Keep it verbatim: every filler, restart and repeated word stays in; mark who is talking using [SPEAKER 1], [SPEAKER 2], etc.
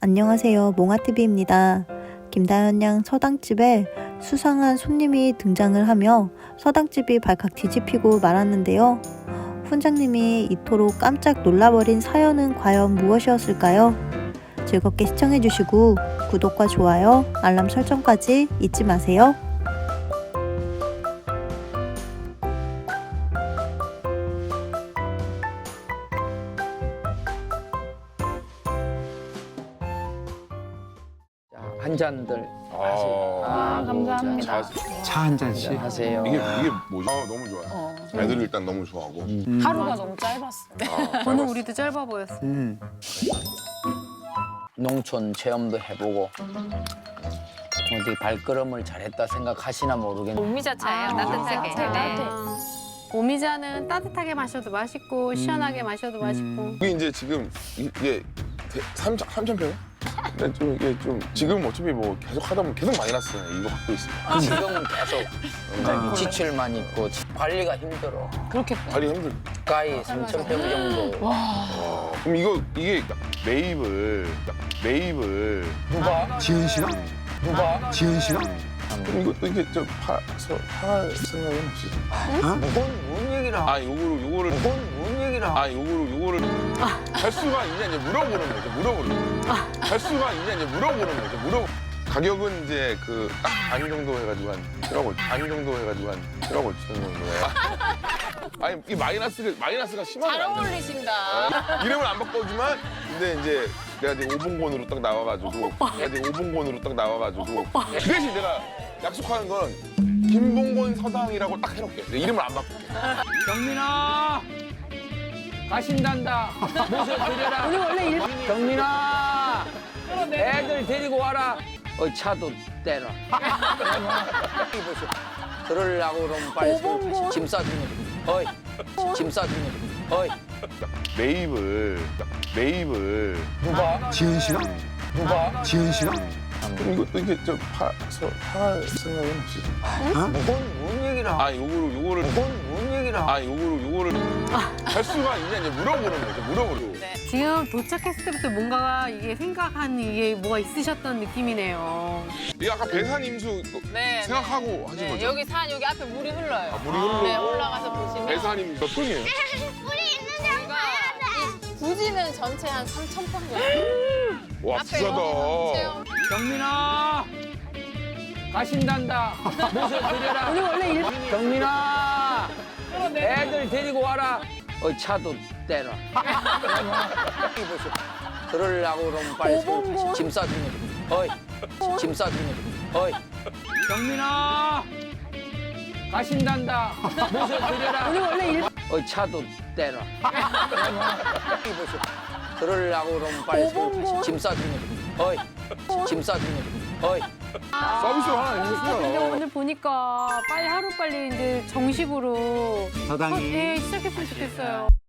[SPEAKER 1] 안녕하세요. 몽아티비입니다. 김다현 양 서당집에 수상한 손님이 등장을 하며 서당집이 발칵 뒤집히고 말았는데요. 훈장님이 이토록 깜짝 놀라버린 사연은 과연 무엇이었을까요? 즐겁게 시청해주시고 구독과 좋아요, 알람 설정까지 잊지 마세요.
[SPEAKER 2] 한 잔들 하세요.
[SPEAKER 3] 아, 감사합니다.
[SPEAKER 4] 차 한 잔씩.
[SPEAKER 2] 하세요.
[SPEAKER 3] 이게 이게 뭐지? 아, 너무 좋아요.
[SPEAKER 5] 어.
[SPEAKER 3] 애들 일단 너무 좋아하고.
[SPEAKER 4] 음.
[SPEAKER 5] 하루가 너무 짧았어.
[SPEAKER 3] 아,
[SPEAKER 5] 오늘 우리도 짧아 보였어.
[SPEAKER 4] 음.
[SPEAKER 2] 농촌 체험도 해보고 어디 발걸음을 잘했다 생각하시나 모르겠는데
[SPEAKER 6] 오미자차예요. 따뜻하게.
[SPEAKER 5] 따뜻해.
[SPEAKER 6] 네.
[SPEAKER 5] 오미자는 따뜻하게 마셔도 맛있고 시원하게 마셔도 맛있고.
[SPEAKER 3] 이게 이제 지금 이게 삼천 삼천 평? 근데 좀 이게 좀 지금 어차피 뭐 계속 하다 보면 계속 마이너스잖아요. 이거 갖고 있으면.
[SPEAKER 2] 지금은 계속
[SPEAKER 4] 아.
[SPEAKER 2] 지출만 있고 관리가 힘들어.
[SPEAKER 5] 그렇겠다.
[SPEAKER 3] 다리 힘들.
[SPEAKER 2] 가까이 삼천 평 정도.
[SPEAKER 3] 어, 그럼 이거 이게 매입을 매입을
[SPEAKER 2] 누가?
[SPEAKER 4] 지은 씨가?
[SPEAKER 2] 누가?
[SPEAKER 4] 지은 씨가?
[SPEAKER 3] 그럼 이것도 이게 좀 파서 팔 생각은 없으시죠?
[SPEAKER 2] 뭔, 뭔 얘기를 하고
[SPEAKER 3] 아, 요거를 요거를
[SPEAKER 2] 뭔, 뭔 얘기를 하고
[SPEAKER 3] 아, 요거를 요거를 할 수가 있냐 이제 물어보는 거죠. 물어보는 거. 할 수가 있냐 이제 물어보는 거죠. 물어. 가격은 이제 그 딱 반 정도 해가지고 한 칠억 오, 반 정도 해가지고 한 칠억 오천 정도에. 아니 이 마이너스가 마이너스가 심하게
[SPEAKER 6] 잘
[SPEAKER 3] 안 나요.
[SPEAKER 6] 어울리신다.
[SPEAKER 3] 어, 이름을 안 바꿔주지만 근데 이제 내가 이제 오봉권으로 딱 나와가지고 내가 이제 오봉권으로 딱 나와가지고 그 대신 내가 약속하는 건 김봉곤 서당이라고 딱 해놓을게. 내 이름을 안 바꿀게.
[SPEAKER 2] 경민아 가신단다. 모셔드려라.
[SPEAKER 5] 우리 원래 일
[SPEAKER 2] 경민아 애들 데리고 와라. 어 차도 떼라. 그러려고 그러면 빨리
[SPEAKER 5] 오봉골.
[SPEAKER 2] 짐 싸주면 어이 짐 싸주면 어이
[SPEAKER 3] 매입을 매입을
[SPEAKER 2] 누가?
[SPEAKER 4] 지은 씨가?
[SPEAKER 2] 누가?
[SPEAKER 4] 지은 씨가?
[SPEAKER 3] 그럼 이것도 이게 좀 파서 팔 생각은 없으시죠?
[SPEAKER 2] 뭔, 뭔 얘기를 하고
[SPEAKER 3] 아, 요거를 요거를
[SPEAKER 2] 뭔, 뭔 얘기를 하고
[SPEAKER 3] 아, 요거를 요거를 할 수가 있냐 이제 물어보는 거죠. 물어보는 거.
[SPEAKER 5] 지금 도착했을 때부터 뭔가 이게 생각한 이게 뭐가 있으셨던 느낌이네요.
[SPEAKER 3] 이게 아까 배산 임수
[SPEAKER 6] 네.
[SPEAKER 3] 생각하고 하신
[SPEAKER 6] 네,
[SPEAKER 3] 거죠?
[SPEAKER 6] 여기 산 여기 앞에 물이 흘러요.
[SPEAKER 3] 아, 물이 흘러.
[SPEAKER 6] 네, 올라가서 보시면
[SPEAKER 3] 배산 임수 몇 분이에요?
[SPEAKER 6] 여기가 이 부지는 전체 한 삼천 평 정도.
[SPEAKER 3] 와,
[SPEAKER 6] 앞에
[SPEAKER 3] 비싸다.
[SPEAKER 6] 여기는 체험.
[SPEAKER 2] 경민아 가신단다. 모셔드려라.
[SPEAKER 5] 우리 원래 일
[SPEAKER 2] 경민아 애들 데리고 와라. 어 차도 떼라. 그러려고 그러면 빨리
[SPEAKER 5] 오봉골.
[SPEAKER 2] 짐 싸주면 어이 짐 싸주면 어이 경민아 가신단다. 모셔드려라.
[SPEAKER 5] 우리 원래 일
[SPEAKER 2] 어 차도 떼라. 그러려고 그러면 빨리
[SPEAKER 5] 오봉골.
[SPEAKER 2] 짐 싸주면 어이 짐 싸주면 어이
[SPEAKER 3] 서비스 하나
[SPEAKER 5] 근데
[SPEAKER 3] 해주세요.
[SPEAKER 5] 오늘 보니까 빨리 하루 빨리 이제 정식으로
[SPEAKER 4] 서당이.
[SPEAKER 5] 네, 시작했으면 좋겠어요.